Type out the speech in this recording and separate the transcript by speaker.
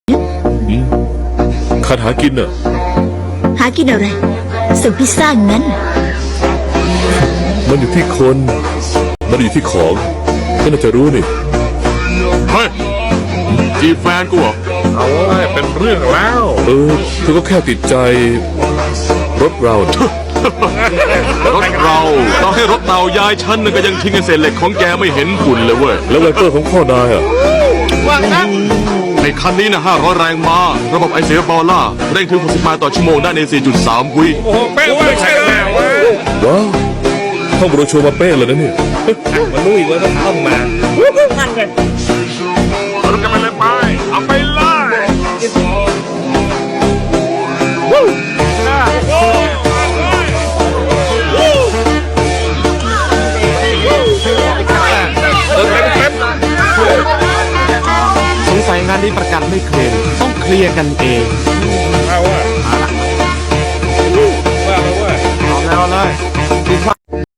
Speaker 1: ข้าหากินน่ะ
Speaker 2: หากินอะไรส่งพิซซ่างั้น
Speaker 1: มันอยู่ที่คน มันอยู่ที่ของก็น่าจะรู้นี่
Speaker 3: เฮ้ยจีบแฟนกูเหรอ
Speaker 4: เอาไว้เป็นเรื่องแล้ว
Speaker 1: เธอก็แค่ติดใจ รถเราน่ะ
Speaker 3: รถเราให้รถเตายายฉันก็ยังทิ้งเศษเหล็กของแกไม่เห็นฝุ่นเลยเว้ย
Speaker 1: แล้วไวเปอร์ของพ่อนายอ่ะ
Speaker 3: ในคันนี้นะ500 แรงม้าระบบไอเสียบอลล่าเร่งถึง60 ไมล์ต่อชั่วโมงได้ใน 4.3 วิ
Speaker 4: โอ้โหเป๊ะไม่ใช่แน่วะ
Speaker 1: ว้าวท่องโบรชัวร์มาเป๊ะเลยนะเนี่ย
Speaker 4: มันรู้อีกว่าต้องเข้ามานั่นไงเราจะไปเลยไปเอาไปเลย
Speaker 5: สงสัยงานนี้ประกันไม่เคลมต้องเคลียร์กันเอง